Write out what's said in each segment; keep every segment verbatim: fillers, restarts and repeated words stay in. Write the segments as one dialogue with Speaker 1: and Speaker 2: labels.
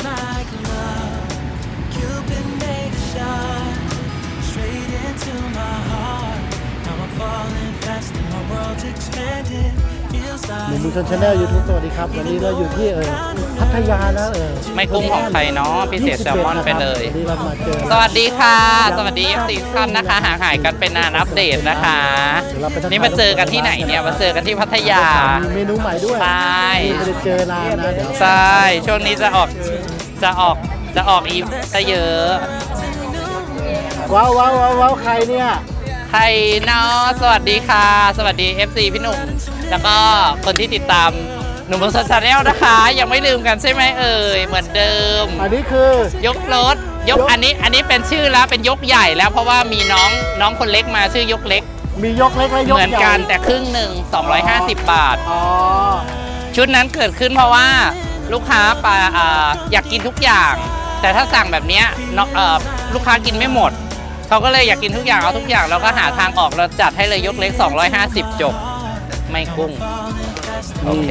Speaker 1: หนุ่มบุญชนชาแนลยูทูบสวัสดีครับวันนี้เราอยู่ที่เออพัทยาแล้วเออ
Speaker 2: ไม่กุ้งของใครเนาะพิเศษแซลมอนไปเลย
Speaker 1: วันนี้เรามาเจอ
Speaker 2: สวัสดีค่ะสวัสดี เอฟ ซี ท่านนะคะห่างหายกันเป็นนานอัปเดตนะคะนี่มาเจอกันที่ไหนเนี่ยมาเจอกันที่พัทยา
Speaker 1: มีเมนูใหม่ด้วย
Speaker 2: ใช่
Speaker 1: ไม่ได้เจอนานนะเดี๋ยว
Speaker 2: ใช่ช่วงนี้จะออกจะออกจะออกอีจะเยอะ
Speaker 1: ว้าวว้าวว้าวใครเนี่ย
Speaker 2: ใครเนาะสวัสดีค่ะสวัสดี เอฟ ซี พี่หนุ่มแล้วก็คนที่ติดตามหนุ่มบนโซเชียลนะคะยังไม่ลืมกันใช่ไหมเอ่ยเหมือนเดิม
Speaker 1: อันนี้คือย
Speaker 2: กรถยกอันนี้อันนี้เป็นชื่อแล้วเป็นยกใหญ่แล้วเพราะว่ามีน้องน้องคนเล็กมาชื่อยกเล็ก
Speaker 1: มียกเล็กและยกใหญ่
Speaker 2: เหมือนกันแต่ครึ่งหนึ่งสองร้อยห้าสิบบาท
Speaker 1: อ๋อ
Speaker 2: ชุดนั้นเกิดขึ้นเพราะว่าลูกค้าปาอยากกินทุกอย่างแต่ถ้าสั่งแบบนี้ลูกค้ากินไม่หมดเขาก็เลยอยากกินทุกอย่างเอาทุกอย่างเราก็หาทางออกเราจัดให้เลยยกเล็กสองร้อยห้าสิบจบไม่กุ้งโอเค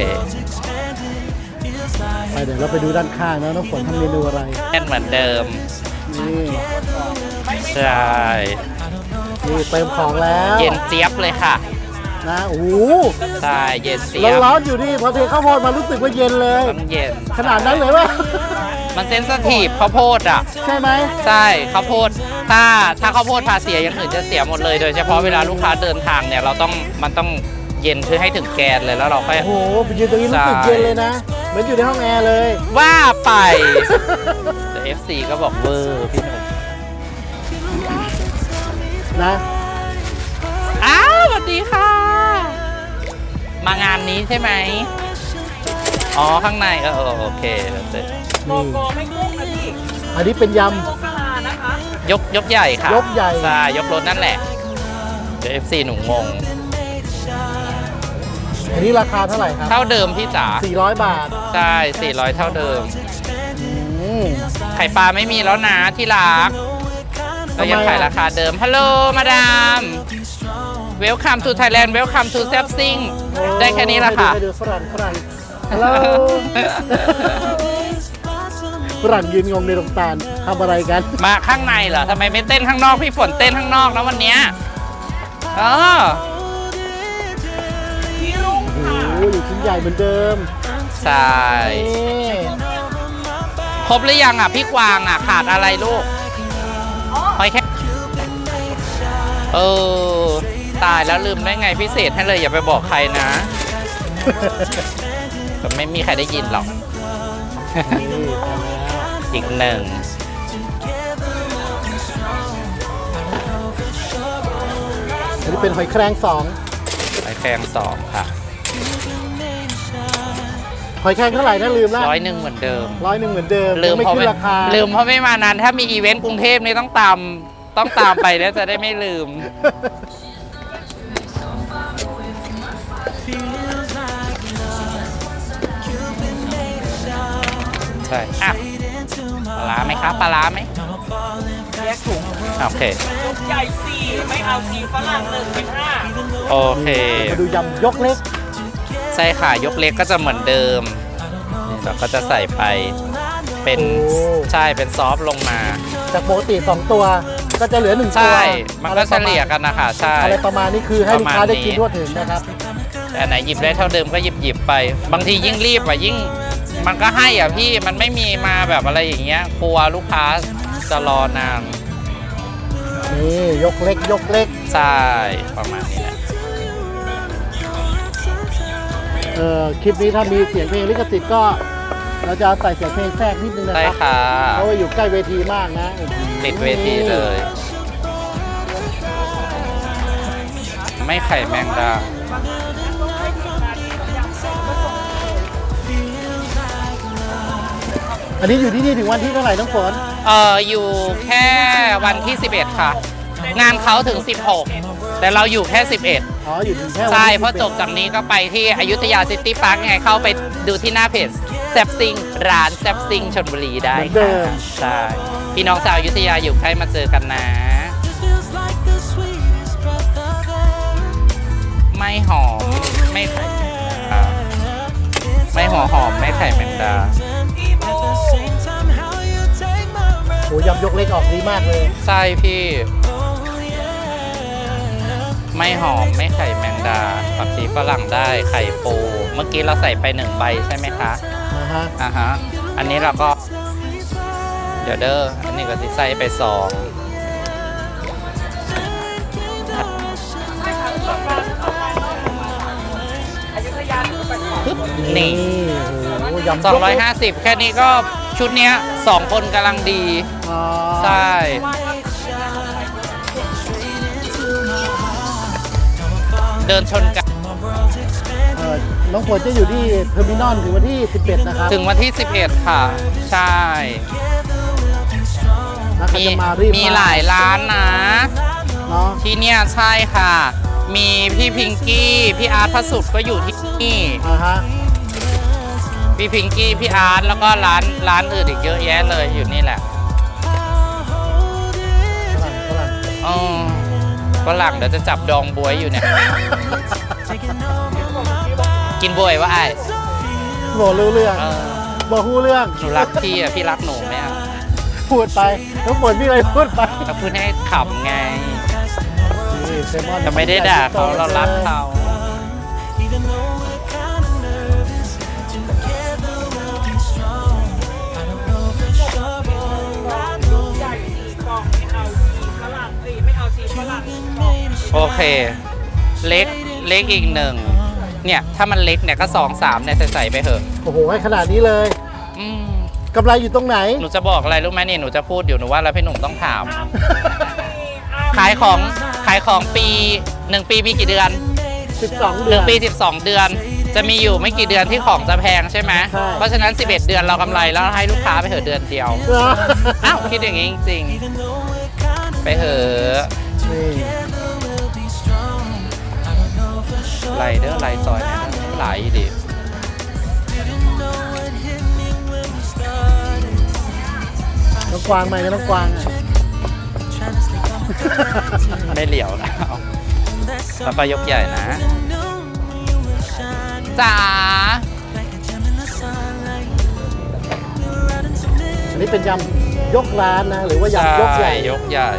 Speaker 1: ไปเดี๋ยวเราไปดูด้านข้างนะน้องฝนทำเมนูอะไร
Speaker 2: แอนเหมือนเดิม
Speaker 1: นี่
Speaker 2: ใช่
Speaker 1: นี่เติมของแล้ว
Speaker 2: เย็นเจี๊ยบเลยค่ะ
Speaker 1: นะโอ้
Speaker 2: ใช่เย็นเจี๊ยบ
Speaker 1: ร้อนอยู่นี่พอเทข้าวโพดมารู้สึกว่าเย็นเลย
Speaker 2: เย็น
Speaker 1: ขนาดนั้นเลยวะ
Speaker 2: มันเซนซิทีฟข้าวโพดอ่ะ
Speaker 1: ใช่ไหม
Speaker 2: ใช่ข้าวโพดถ้าถ้าข้าวโพดพาเสียอย่างอื่นจะเสียหมดเลยโดยเฉพาะเวลาลูกค้าเดินทางเนี่ยเราต้องมันต้องเย็นคือให้ถึงแกนเลยแล้วเราค่อย
Speaker 1: โอ้โหไปยืนตรงนี้รู้สึกเย็นเลยนะเหมือนอยู่ในห้องแอร์เลย
Speaker 2: ว่าไปแต่ เอฟ ซี ก็บอกเวอร์พี่หนุ่ม
Speaker 1: นะ
Speaker 2: อ้าวสวัสดีค่ะมางานนี้ใช่ไหมอ๋อข้างในเออโอเคแล้วเสร็จ
Speaker 3: โกโก้ไม่กุ้งนะพี่
Speaker 1: อันนี้เป็นย
Speaker 3: ำนะคะ
Speaker 2: ยกยกใหญ่ค่ะ
Speaker 1: ยกใหญ่
Speaker 2: ใช่ยกรถนั่นแหละเดี๋ยว เอฟ ซี หนูงง
Speaker 1: อันนี้ราคาเท่าไหร่ครับ
Speaker 2: เท่าเดิมพี่จ๋า
Speaker 1: สี่ร้อยบาท
Speaker 2: ใช่สี่ร้อยเท่าเดิมไข่ปลาไม่มีแล้วนะที่รักเรายังขายราคาเดิมฮัลโหลมาดามเวลคัมทูไทยแลนด์เวลคัมทูแซฟซิงได้แค่นี้ละค่ะ
Speaker 1: ฝรั่งฝรั่งฮัลโหลฝรั่งยืนงงในโรงตาลทำอะไรกัน
Speaker 2: มาข้างในเหรอทำไมไม่เต้นข้างนอกพี่ฝนเต้นข้างนอกนะวันนี้เออ
Speaker 1: โอ้ยชิ้นใหญ่เหมือนเดิม
Speaker 2: ใช่ครบหรือยังอ่ะพี่กวางอ่ะขาดอะไรลูกหอยแค่เออตายแล้วลืมได้ไงพิเศษให้เลยอย่าไปบอกใครนะแต่ไม่มีใครได้ยินหรอกอีกหนึ่ง
Speaker 1: อันนี้เป็นหอยแครงสอง
Speaker 2: หอยแครงสองค่ะ
Speaker 1: หอยแครงเท่าไหร่นะลืมแล้ว
Speaker 2: ร้อยหนึ่งเหมือนเดิม
Speaker 1: ร้อยหนึ่งเหมือนเดิม
Speaker 2: ลืม
Speaker 1: เพราะไม่ราคา
Speaker 2: ลืมเพราะไม่มานานถ้ามีอีเวนต์กรุงเทพนี่ต้องตามต้องตามไปแล้วจะได้ไม่ลืมใช่อ่ะปลาไหมครับปลาไหม
Speaker 3: แยกถุง
Speaker 2: โอเค
Speaker 3: ยกใหญ่สี่ไม่เอาสี่ฝรั่งหนึ่งเป็นห้า
Speaker 2: โอเค
Speaker 1: มาดูยำยกเล็ก
Speaker 2: ใช่ค่ะยกเล็กก็จะเหมือนเดิมเราก็จะใส่ไปเป็นใช่เป็นซอฟลงมา
Speaker 1: จากปกติสองตัวก็จะเหลือหนึ่งตัว
Speaker 2: ใช่มันก็เฉลี่ยกันนะคะใช่
Speaker 1: อะไรประมาณนี้คือให้ลูกค้าได้กินทั่วถึงนะครับ
Speaker 2: แต่ไหนหยิบได้เท่าเดิมก็หยิบหยิบไปบางทียิ่งรีบอ่ะยิ่งมันก็ให้อ่ะพี่มันไม่มีมาแบบอะไรอย่างเงี้ยกลัวลูกค้าจะรอนาน
Speaker 1: นี่ยกเล็กยกเล็ก
Speaker 2: ใช่ประมาณนี้แหละ
Speaker 1: เออคลิปนี้ถ้ามีเสียงเพลงลิขสิทธิ์ก็เราจะใส่เสียงเพลงแทรกนิดนึงนะครับ
Speaker 2: ใช่ค่ะ
Speaker 1: เพราะว่าอยู่ใกล้เวทีมากนะ
Speaker 2: ติดเวทีเลยไม่ไข่แมงดา
Speaker 1: อันนี้อยู่ที่นี่ถึงวันที่เท่าไหร่น้องฝน
Speaker 2: เอออยู่แค่วันที่สิบเอ็ดค่ะงานเขาถึงสิบหกแต่เราอยู่แค่สิบเอ็ด
Speaker 1: อ๋ออยู่ถึงแค่
Speaker 2: ใช่เพราะจบจากนี้ก็ไปที่อยุธยาซิตี้พาร์คไงเข้าไปดูที่หน้าเพจแซบซิงร้านแซบซิงชลบุรีได้ค่ะใช่พี่น้องชาวอยุธยาอยู่ใกล้มาเจอกันนะไม่หอมไม่ไข่ไม่หัวหอมไม่ไข่แมงดา
Speaker 1: ยำยกเล็กออกดีมากเลย
Speaker 2: ใช่พี่ ไม่หอมไม่ไข่แมงดาผักชีฝรั่งได้ไข่ปู เมื่อกี้เราใส่ไปหนึ่งใบใช่ไหมคะ
Speaker 1: นะฮะ
Speaker 2: อ่าฮะ อันนี้เราก็ เดี๋ยวเด้อ อันนี้ก็สิใส่ไปสอง
Speaker 3: อยุธยาหรือไปขอ
Speaker 2: นี่
Speaker 1: โอ้โหยำ
Speaker 2: สองร้อย
Speaker 1: กเล็ก
Speaker 2: ห้าสิบแค่นี้ก็ชุดเนี้ยสองคนกำลังดี
Speaker 1: อ่า
Speaker 2: ใช่ เดินชนกัน
Speaker 1: เอ่อน้องฝนจะอยู่ที่เทอร์มินอลถึงวันที่สิบเอ็ดนะครับ
Speaker 2: ถึงวันที่สิบเอ็ดค่ะ ใช่
Speaker 1: แล้วเขา
Speaker 2: มี
Speaker 1: จะมารีบ
Speaker 2: มีหลายร้านนะ
Speaker 1: เนาะ
Speaker 2: ที่เนี่ยใช่ค่ะ มีพี่พิงกี้ พี่อาร์ตพระสุดก็อยู่ที่นี่
Speaker 1: อ่าฮะ
Speaker 2: พี่พิงกี้ พี่อาร์ตแล้วก็ร้านร้านอื่นอีกเยอะแยะเลยอยู่นี่แหละ
Speaker 1: ฝรั่งฝรั่ง
Speaker 2: อ๋อก็หลังเดี๋ยวจะจับดองบวยอยู่เนี่ย กินบวยว่าไอ้
Speaker 1: บอกรู้เรื่อง
Speaker 2: เออ
Speaker 1: บอกหู้เรื่อง
Speaker 2: หนูรักพี่อ่ะ พี่รักหนูไหมอ่ะ
Speaker 1: พูดไปน้องฝนพี่อะไรพูดไป
Speaker 2: ก็พูดให้ขำไง
Speaker 1: นี่เซมอน
Speaker 2: แต่ไม่ได้ด่าเขาเรารักเขา
Speaker 3: ใหญ่สี่กล่องไม่เอาชีฝรั่งเอ้ยไม่เอาชีฝรั่งกล่อง
Speaker 2: โอเค เล็กเล็กอีกหนึ่งเนี่ย ถ้ามันเล็กเนี่ยก็สองสามเนี่ยใส่ๆไปเถอะ
Speaker 1: โอ้โหให้ขนาดนี้เลย
Speaker 2: อืม
Speaker 1: กำไรอยู่ตรงไหน
Speaker 2: หนูจะบอกอะไรรู้ไหมนี่หนูจะพูดอยู่หนูว่าแล้วพี่หนุ่มต้องถาม ขายของขายของปีหนึ่งปีมีกี่เดือน
Speaker 1: สิบสอง
Speaker 2: ห
Speaker 1: เดือ
Speaker 2: นึ่
Speaker 1: น
Speaker 2: งปีสิบสองเดือน จะมีอยู่ไม่กี่เดือนที่ของจะแพงใช่ไหม
Speaker 1: ใช่
Speaker 2: เพราะฉะนั้นสิบเอ็ดเดือนเรากำไรแล้วให้ลูกค้าไปเถอะเดือนเดียว
Speaker 1: เหรอ
Speaker 2: อ้าวคิดอย่างนี้จริงๆไปเถอะ
Speaker 1: นี่
Speaker 2: ไหลเด้อไหลซอยเนี่ยนะไหลดิ
Speaker 1: น้องกวางไหมนะน้องกวางอ่ะ
Speaker 2: ไม่เหลียวแล้วแล้วก็ยกใหญ่นะจ๋า
Speaker 1: อันนี้เป็นยำยกร้านนะ หรือว่ายำยกใหญ่
Speaker 2: ยกใหญ่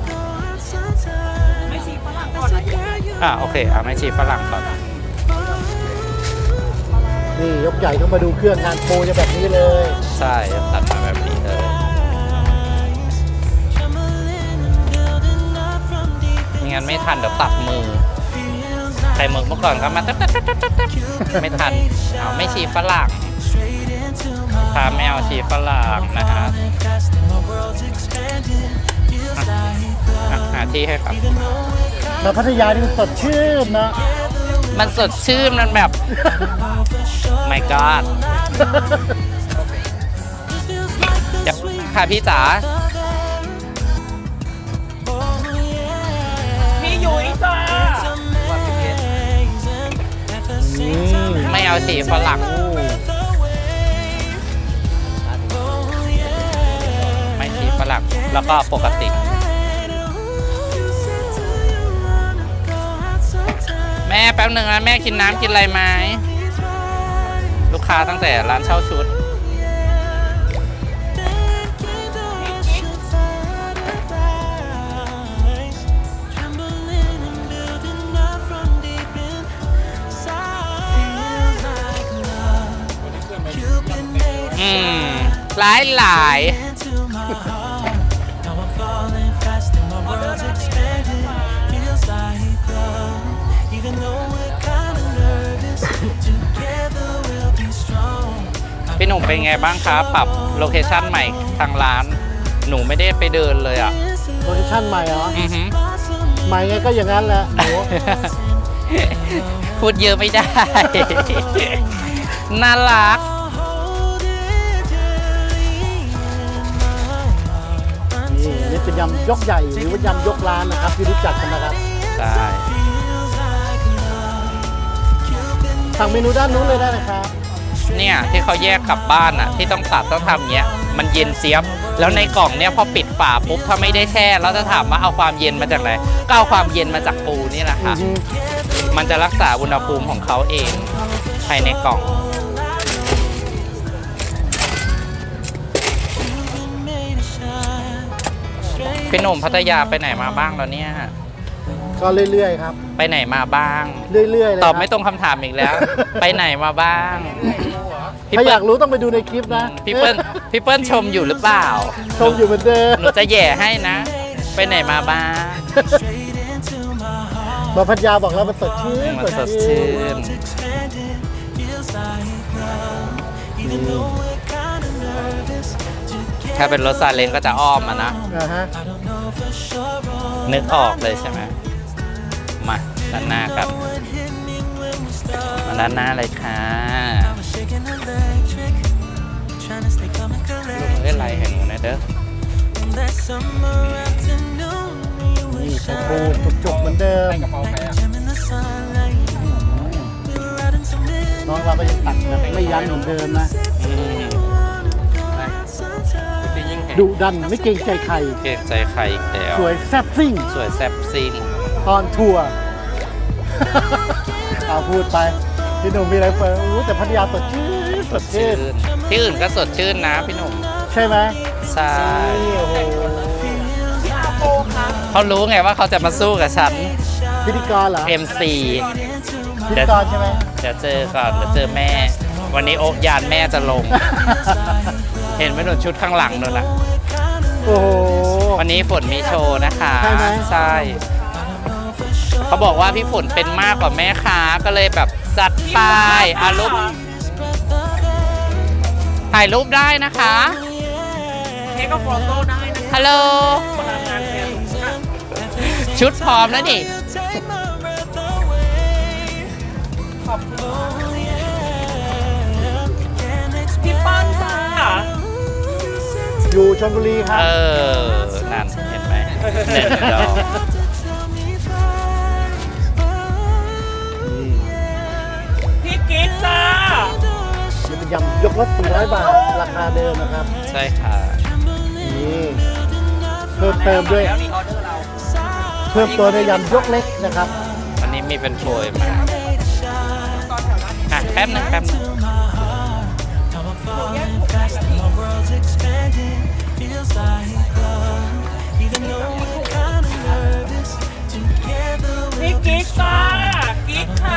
Speaker 3: ไม่ชีฝรั่งก่อนนะ
Speaker 2: อ่ะโอเคอ่ะไม่ชีฝรั่งก่อน
Speaker 1: นี่ยกใหญ่ต้องมาดูเครื่องงานโปรจะแบบนี้เลย
Speaker 2: ใช่ตัดมาแบบนี้เลยไม่งั้นไม่ทันเดี๋ยวตัดมือไข่หมึกเมื่อก่อนก็มาตัดตัดตัดตัดตัดไม่ทันเอาไม่ชีฝรั่งพาไม่เอาชีฝรั่งนะฮะอ่ะหาที่ให้ครับ
Speaker 1: มาพัทยานี่มันสดชื่นนะ
Speaker 2: มันสดชื่นมันแบบ my god เดี๋ยวค่ะพี่จ๋า
Speaker 3: พี่ยุ้ยจ้า
Speaker 1: นี่
Speaker 2: ไม่เอาสีฝรั่งไม่สีฝรั่งแล้วก็ปกติ แม่แป๊บหนึ่งนะแม่กินน้ำกินอะไรไหมลูกค้าตั้งแต่ร้านเช่าชุด อืม หลายหลาย พี่หนุ่มเป็นไงบ้างครับปรับโลเคชั่นใหม่ทางร้าน หนูไม่ได้ไปเดินเลยอ่ะ
Speaker 1: โลเคชั่นใหม่เหรอ
Speaker 2: อือหือ
Speaker 1: ใหม่ไงก็อย่างนั้นแหละโอ้
Speaker 2: พูดเยอะไม่ได้ น่ารัก
Speaker 1: นี่อันนี่เป็นยำยกใหญ่หรือว่ายำยกร้านนะครับที่รู้จักกันนะครับ
Speaker 2: ใช่
Speaker 1: สั่งเมนูด้านนู้นเลยได้นะครับ
Speaker 2: เนี่ยที่เขาแยกกลับบ้านอ่ะ ที่ต้องตัดต้องทำเงี้ย มันเย็นเจี๊ยบ แล้วในกล่องเนี้ยพอปิดฝาปุ๊บถ้าไม่ได้แช่แล้วจะถามว่าเอาความเย็นมาจากไหนก็เอาความเย็นมาจากปูนี่แหละค่ะ
Speaker 1: อือฮึ
Speaker 2: มันจะรักษาอุณหภูมิของเขาเองภายในกล่อง
Speaker 1: น
Speaker 2: พี่หนุ่มพัทยาไปไหนมาบ้างแล้วเนี่ย
Speaker 1: ก็เรื่อยๆครับ
Speaker 2: ไปไหนมาบ้าง
Speaker 1: เรื่อยๆเลย
Speaker 2: ตอบ
Speaker 1: ครั
Speaker 2: ไม่ตรงคำถามอีกแล้ว ไปไหนมาบ้างพี่
Speaker 1: ถ้าอ
Speaker 2: เปิ้
Speaker 1: ยา
Speaker 2: ล
Speaker 1: กรู้ต้องไปดูในคลิปนะ
Speaker 2: พี่เปิ้ลพี่เปิ้ลชมอยู่หรือเปล่า
Speaker 1: ชมอยู่เหมือนเดิม
Speaker 2: หนูจะแหย่ให้นะ ไปไหนมาบ้าง
Speaker 1: มาพัทยาบอกแล้วมันสดชื่น
Speaker 2: มันสดชื่น
Speaker 1: นี่
Speaker 2: ถ้าเป็นรถซาเล้งก็จะอ้อมมานะ
Speaker 1: นะฮะ
Speaker 2: นึกออกเลยใช่ไหมมาด้านหน้ากัน มาด้านหน้าเลยค่ะลูกเล่นไรเห็นหนูนะเด้อ
Speaker 1: นี่ชมพูจุกๆเหมือนเดิมน้องเราก็ยังตัดแบบไม่ยั้งเหมือนเดิมนะ
Speaker 2: อืม
Speaker 1: ดุดันไม่เกรงใจใคร
Speaker 2: เกรงใจใครอีกแล้ว
Speaker 1: สวยแซ่บซิ่ง
Speaker 2: สวยแซ่บซิง
Speaker 1: ตอนทัวร์ เอาพูดไปพี่หนุ่มมีอะไรเปิดอู้แต่พัทยาสดชื่นส
Speaker 2: ส
Speaker 1: ด
Speaker 2: ด
Speaker 1: ชื่
Speaker 2: ชื่
Speaker 1: น
Speaker 2: น ที่อื่นก็สดชื่นนะพี่หนุ่ม
Speaker 1: ใช่ไหม
Speaker 2: ใช่
Speaker 1: นี่โอ้โห
Speaker 3: พี่อาโปครับ
Speaker 2: เขารู้ไงว่าเขาจะมาสู้กับฉัน
Speaker 1: พิธีกรเหรอ
Speaker 2: เอ็ม ซี
Speaker 1: พิธีกรใช่ไหม
Speaker 2: เดี๋ยวเจอก่อนเดี๋ยวเจอแม่ วันนี้โอ๊กยานแม่จะลง เห็นไหมหนูชุดข้างหลังนู่นนะ
Speaker 1: โอ้โห
Speaker 2: วันนี้ฝนมีโชว์นะคะ
Speaker 1: ใช่ไหม
Speaker 2: ใช่เขาบอกว่าพี่ฝนเป็นมากกว่าแม่ค้าก็เลยแบบจัดไปอารูปถ่ายรูปได้นะคะ
Speaker 3: เทคก็ฟอโต้ได้นะ
Speaker 2: ฮัลโหล
Speaker 3: พลังงานเต็ม
Speaker 2: ชุดพร้อมแล้วนี่
Speaker 3: ขอบคุณพี่ปั้นจ้า
Speaker 1: อยู่ชลบุรีครั
Speaker 2: เอบ อ นั่นเห็นไหมเน็ตดอก
Speaker 3: พี่กิ๊กจ้า
Speaker 1: นี่เป็นยำยกรถสี่ร้อยบาท ราคาเดิมนะครับ
Speaker 2: ใช่ค่ะ
Speaker 1: นี่เพิ่มเติมด้วย
Speaker 3: แล้วนี่ออเดอร์เรา
Speaker 1: เพิ่มตัวด้วยยำยกเล็กนะครับ
Speaker 2: วันนี้มีเป็นโฟยมาอ่ะแป๊บนึงแป๊บนึง
Speaker 3: พี่กิ๊กจ้ากิ๊กค่ะ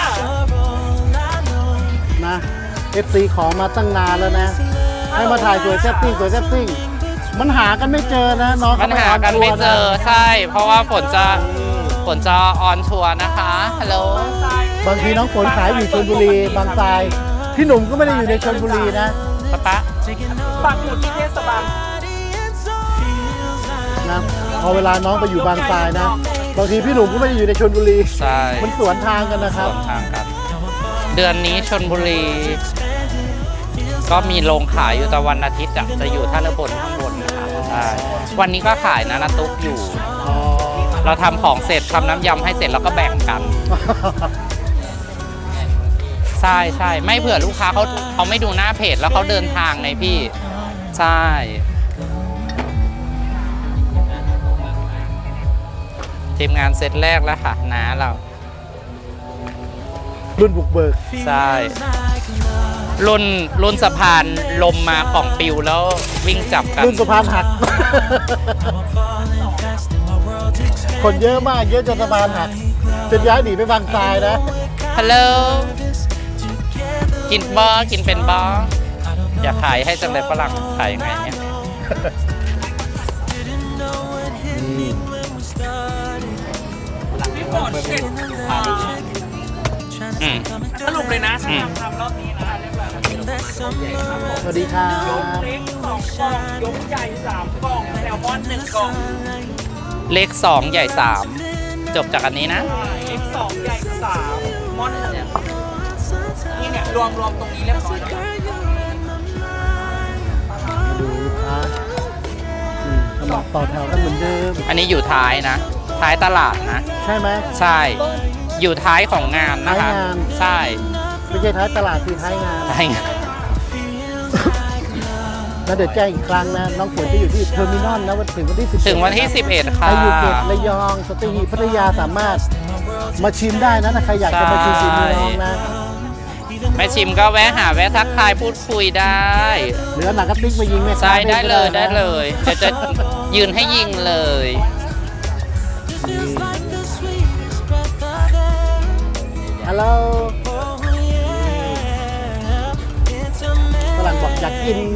Speaker 1: นะ เอฟ ซี ขอมาตั้งนานแล้วนะ ให้มาถ่ายสวยแซ่บซิ่งสวยแซ่บซิ่งมันหากันไม่เจอนะน้อง
Speaker 2: ปัญหากันไม่เจอใช่ เพราะว่าฝนจะฝนจะออนทัวร์นะคะ ฮัลโหล
Speaker 1: บางทีน้องฝนขายอยู่ชลบุรี บางทรายพี่หนุ่มก็ไม่ได้อยู่ในชลบุรีนะ
Speaker 2: ป๊าป๊า
Speaker 3: ปักหมุดที่เทศบาล
Speaker 1: นะพอเวลาน้องไปอยู่บางทรายนะ บางทีพี่หนุ่มก็ไม่ได้อยู่ในชลบุรี
Speaker 2: ใช่
Speaker 1: มันสวนทางกันนะค
Speaker 2: ส
Speaker 1: รับ
Speaker 2: วนทางกัน เดือนนี้ชนบุรี ก็มีโรงขายอยู่แต่วันอาทิตย์อะจะอยู่ท่าเรือบนข้างบนนะคะใช่วันนี้ก็ขายนะนะตุ๊กอยู่
Speaker 1: อ๋อ
Speaker 2: เราทำของเสร็จทำน้ำยำให้เสร็จแล้วก็แบ่งกัน ใช่ใช่ไม่เผื่อลูกค้าเขาเขาไม่ดูหน้าเพจแล้วเขาเดินทางไงพี่ ใช่ ทีมงานเซตแรกแล้วค่ะน้าเรา
Speaker 1: รุ่นบุกเบิก
Speaker 2: ใช่ รุ่นรุ่นสะพานลมมากล่องปิวแล้ววิ่งจับกัน
Speaker 1: รุ่นสะพานหัก คนเยอะมากเยอะจนสะพานหักจนย้ายหนีไปบางทรายนะ
Speaker 2: ฮัลโหลกินบอกินเป็นบออยากขายให้จังเลยฝรั่งขายยังไงเนี่ย
Speaker 3: พี่ฝนเสร็จ
Speaker 2: อืม
Speaker 3: สรุปเลยนะ
Speaker 2: อื
Speaker 3: ถ้าม ทำรอบนี้นะเรียบร้อย
Speaker 1: สวัสดีครับ
Speaker 3: ยกเล็กสองกล่องยกใหญ่สามกล่องแซลมอนหนึ่งกล่อง
Speaker 2: เลขสองใหญ่สามจบจากอันนี้นะ
Speaker 3: เล็กสองใหญ่สามมอนเนี่ยนี่เนี่ยรวมรวมตรงนี้เรียบร้อยแล้วครับ
Speaker 1: มาดูลูกค้าอืมกำลังต่อแถวกันเหมือนเดิม
Speaker 2: อันนี้อยู่ท้ายนะ ท้ายตลาดนะ
Speaker 1: ใช่ไหม
Speaker 2: ใช่ อยู่ท้ายของงานนะคะ
Speaker 1: ท้ายงาน
Speaker 2: ใช่
Speaker 1: ไม่ใช่ท้ายตลาดคือท้ายงาน
Speaker 2: ท้ายงาน
Speaker 1: แล้วเดี๋ยวแจ้งอีกครั้งนะ น้องฝนจะอยู่ที่เทอร์มินอลนะวันถึงวันที่สิบ
Speaker 2: ถึงวันที่ สิบเอ็ด ค่ะ
Speaker 1: ใครอยู่เกตระยองสตีหีบพัทยาสามารถมาชิมได้นะถ้าใครอยากจะมาชิมฝีมือน้องนะ
Speaker 2: แม่ชิมก็แวะหาแวะทักทายพูดคุยได้
Speaker 1: เหลือหนังกระติกมายิงแม่ค้า
Speaker 2: ใช่ได้เลย
Speaker 1: ก็
Speaker 2: ได้
Speaker 1: นะ
Speaker 2: เลยเดี๋ยวจะยืนให้ยิงเลย
Speaker 1: ฮัลโหลฝรั่งบอกอยากกิน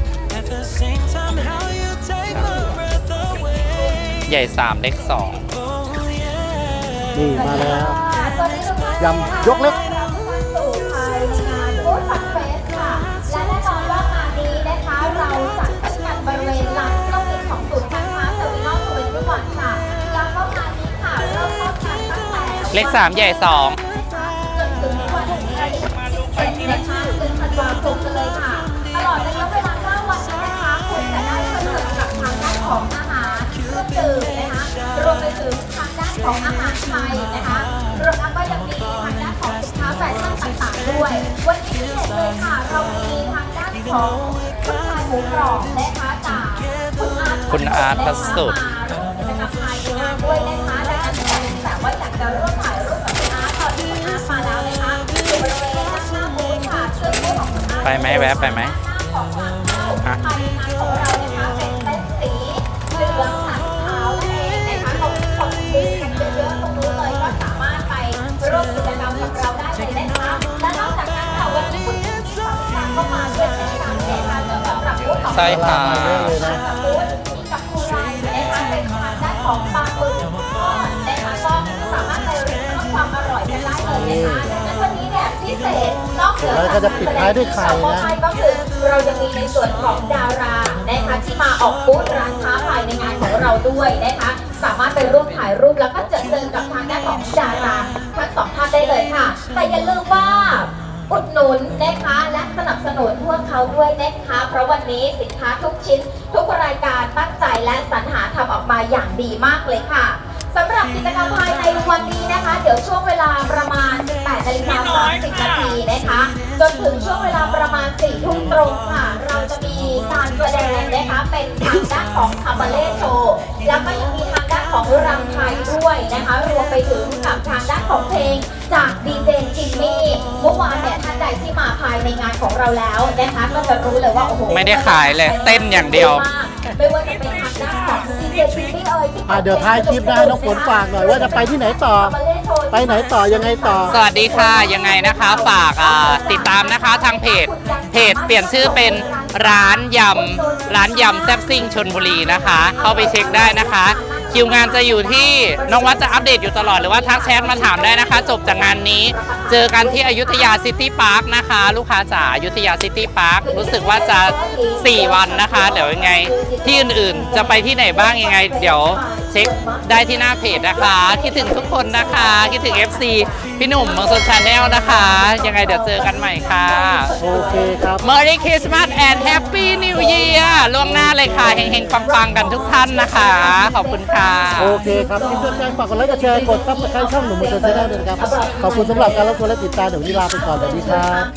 Speaker 2: ใหญ่สามเล็กสอง
Speaker 1: นี่มาแล้วยำยกเล็ก
Speaker 4: สู่ภายในงานฟู้ดฟันเฟสค่ะ และแน่นอนว่างานนี้นะคะเราจัดขึ้นกันบริเวณลานเครื่องบินของศูนย์การค้าเทอร์มินอลทเวนตี้วันค่ะย้ำว่างานนี้ค่ะเริ่มต้นกันตั้งแต่
Speaker 2: เล็กสามใหญ่สอง
Speaker 4: จนถึงวันที่สิบเอ็ดนะคะเดือนธันวาคมกันเลยค่ะ ตลอดระยะเวลาเก้าวันนี้นะคะคุณจะได้เพลิดเพลินกับทางด้านของอาหารเครื่องดื่มนะคะรวมไปถึงทางด้านของอาหารไทยนะคะรวมทั้งก็ยังมีทางด้านของสินค้าแฟชั่นต่างๆด้วย วันนี้พิเศษเลยค่ะเรามีทางด้านของคุณชายหมูกรอบนะคะจากคุณอาร์ต
Speaker 2: คุณอาร์ตพระสุด
Speaker 4: มาร่วมกิจกรรมภายในงานด้วยนะคะดังนั้นใครที่แบบว่าอยากจะร่วมถ่ายรูปกับคุณอาร์ตตอนนี้คุณอาร์ตมาแล้วนะคะอยู่บริเวณด้านหน้าบูธค่ะซึ่งบูธของคุณอาร์ต
Speaker 2: ไปไหมแวะไปไหม
Speaker 4: ของทางเข้าภายในงานของเรานะคะเป็นเต็นท์สีเหลืองสันขาวนั่นเองนะคะเราคนยืนกันเยอะๆตรงนู้นเลยก็สามารถไปร่วมกิจกรรมกับเราได้เลยนะคะและนอกจากนั้นค่ะวันนี้คุณมีฝั่งทางเข้ามาด้วยเช่นกันนะคะสำหรับบูธของ
Speaker 2: ใช่ค่ะ
Speaker 1: มาเยอะเลยนะ
Speaker 4: กับบูธมีกับคูไรนะคะเป็นทางด้านของปลาหมึกทอดนะคะก็สามารถไปเรียนรู้ความอร่อยกันได้เลยนะคะดังนั้นวันนี้เนี่ยพิเศษนอกเหนือ
Speaker 1: แล้วก็จะปิดท้ายด้วยไข่นะ
Speaker 4: ก็คือเรายังมีในส่วนของดารานะคะที่มาออกบูธร้านค้าภายในงานของเราด้วยนะคะสามารถไปร่วมถ่ายรูปแล้วก็เจอเจอกับทางด้านของดาราทั้งสองท่านได้เลยค่ะ แต่อย่าลืมว่าอุดหนุนนะคะและสนับสนุนพวกเขาด้วยนะคะเพราะวันนี้สินค้าทุกชิ้น ทุกรายการตั้งใจและสรรหาทำออกมาอย่างดีมากเลยค่ะสำหรับกิจกรรมภายในวันนี้นะคะ เดี๋ยวช่วงเวลาประมาณ แปดนาฬิกาสามสิบนาทีนะคะจนถึงช่วงเวลาประมาณ สี่ทุ่มตรงค่ะ เราจะมีการแสดงนะคะเป็นทางด้านของคาบาเล่โชว์แล้วก็ยังมีทางด้านของรำไทยด้วยนะคะรวมไปถึงกับทางด้านของเพลงจากดีเจจิมมี่เมื่อวานเนี่ยท่านใดที่มาภายในงานของเราแล้วนะคะก็จะรู้เลยว่าโอ้โห
Speaker 2: ไม่ได้ขายเลยเต้นอย่างเดียว
Speaker 4: ไม่ว่าจะเป็นทางด้านของดีเจจิมมี่เอ่ยที่
Speaker 1: อ่ะเดี๋ยวท้ายคลิปนะน้องฝนฝากหน่อยว่าจะไปที่ไหนต่อ ไปไหนต่อยังไงต่อ
Speaker 2: สวัสดีค่ะยังไงนะคะฝากอ่าติดตามนะคะทางเพจเพจเปลี่ยนชื่อเป็นร้านยำร้านยำแซ่บซิ่งชลบุรีนะคะ เข้าไปเช็คได้นะคะคิวงานจะอยู่ที่น้องวัดจะอัปเดตอยู่ตลอดหรือว่าทักแชทมาถามได้นะคะ จบจากงานนี้เจอกันที่อยุธยาซิตี้พาร์คนะคะ ลูกค้าจ๋าอยุธยาซิตี้พาร์ครู้สึกว่าจะสี่วันนะคะเดี๋ยวยังไงที่อื่นๆจะไปที่ไหนบ้างยังไง เดี๋ยวเช็คได้ที่หน้าเพจนะคะคิดถึงทุกคนนะคะคิดถึง เอฟ ซี พี่หนุ่มเมืองสนชาแนลนะคะ ยังไงเดี๋ยวเจอกันใหม่ค่ะ
Speaker 1: โอเคครับ
Speaker 2: Merry Christmas and Happy New Year ล่วงหน้าเลยค่ะเฮงๆปังๆกันทุกท่านนะคะ ขอบคุณค่ะ
Speaker 1: โอเคครับคลิปต้นใจฝากกดไลค์กดแชร์กดซับสไครต์ช่องหนุ่มมือเตอร์ชาแนลด้วยนะครับ ขอบคุณสำหรับการรับชมและติดตามเดี๋ยววันนี้ลาไปก่อนสวัสดีครับ